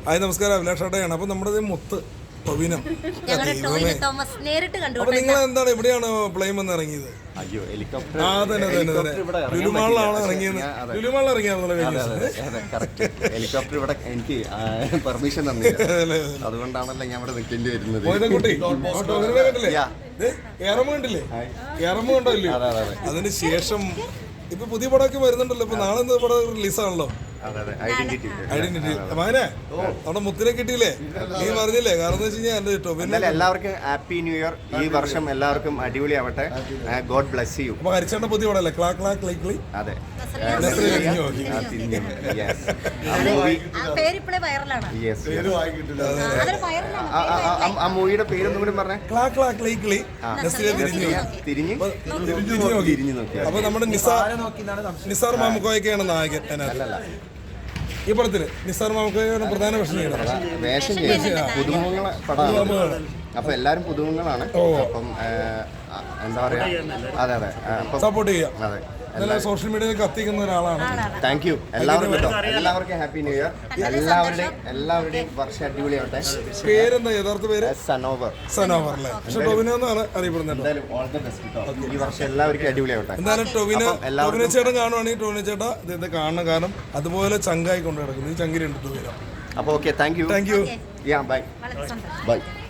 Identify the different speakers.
Speaker 1: Hi നമസ്കാരം, അഭിലാഷേട്ടയാണ്. അപ്പോൾ നമ്മുടെ മുത്ത് ടൊവിനോ. അപ്പൊ നിങ്ങൾ എന്താണ് എവിടെയാണ് പ്ലെയിൻ വന്ന് ഇറങ്ങിയത്? ലുലുമാളിലാണ് ഇറങ്ങിയത്. ലുലുമാളിൽ
Speaker 2: ഹെലികോപ്റ്റർ ഇവിടെ എനിക്ക് പെർമിഷൻ തന്നില്ല, അതുകൊണ്ടാണല്ലോ ഞാൻ ഇവിടെ നിൽക്കേണ്ടി വരുന്നത്.
Speaker 1: കണ്ടില്ലേ? കണ്ടോ ഇല്ലേ? അതിന് ശേഷം ഇപ്പൊ പുതിയ പടമൊക്കെ വരുന്നുണ്ടല്ലോ. ഇപ്പൊ നാളെ പടം റിലീസാണല്ലോ, ഐഡന്റിറ്റി. മകനെ അവിടെ മുത്തിനെ കിട്ടിയില്ലേ? നീ പറഞ്ഞില്ലേ? കാരണം എന്താ വെച്ച് കഴിഞ്ഞാൽ
Speaker 2: എല്ലാവർക്കും ഹാപ്പി ന്യൂ ഇയർ. ഈ വർഷം എല്ലാവർക്കും അടിപൊളിയാവട്ടെ. God bless you.
Speaker 1: അപ്പൊ ഹരിച്ചേട്ടന്റെ പുതിയ പടമല്ലേ ക്ലാ ക്ലാ ക്ലൈ ക്ലൈ?
Speaker 2: അതെ, ആ മൂവിയുടെ പേരൊന്നും കൂടി പറഞ്ഞേ.
Speaker 1: ക്ലാ ക്ലാ ക്ലൈ ക്ലൈ.
Speaker 2: തിരിഞ്ഞു നോക്കി.
Speaker 1: അപ്പൊ നമ്മുടെ നിസാർ മാമുക്കോയൊക്കെയാണ് നായകൻ. ഈ പടത്തില് നിസാർ മാമുക്കോയാണ് പ്രധാന
Speaker 2: വേഷം ചെയ്യുന്നത്. പുതുമുഖങ്ങളെ പടമാണ്, അപ്പൊ എല്ലാരും പുതുമുഖങ്ങളാണ്. അപ്പം എന്താ പറയാ, അതെ
Speaker 1: സപ്പോർട്ട് ചെയ്യാം.
Speaker 2: അതെ,
Speaker 1: സോഷ്യൽ മീഡിയയിൽ കത്തിക്കുന്ന ഒരാളാണ്.
Speaker 2: താങ്ക് യു എല്ലാവർക്കും ഹാപ്പി ന്യൂ ഇയർ. എല്ലാവരുടെയും വർഷം അടിപൊളിയാവട്ടെ.
Speaker 1: പേരെന്താ യഥാർത്ഥ പേര്?
Speaker 2: സനോവർ
Speaker 1: അല്ലേ? പക്ഷെ ടൊവിനോ എന്നാണ് അറിയപ്പെടുന്നത്.
Speaker 2: ഈ വർഷം എല്ലാവർക്കും അടിപൊളിയാവട്ടെ.
Speaker 1: എന്തായാലും ടൊവിനോ ചേട്ടൻ കാണുവാണെങ്കിൽ ടൊവിനോ ചേട്ടാ ഇദ്ദേഹത്തെ കാണണം. കാരണം അതുപോലെ ചങ്കായി കൊണ്ട് കിടക്കുന്നു. ഈ ചങ്കിലുണ്ട് ടൊവിനോ.
Speaker 2: അപ്പോൾ okay, thank you.
Speaker 1: Thank you.
Speaker 2: By.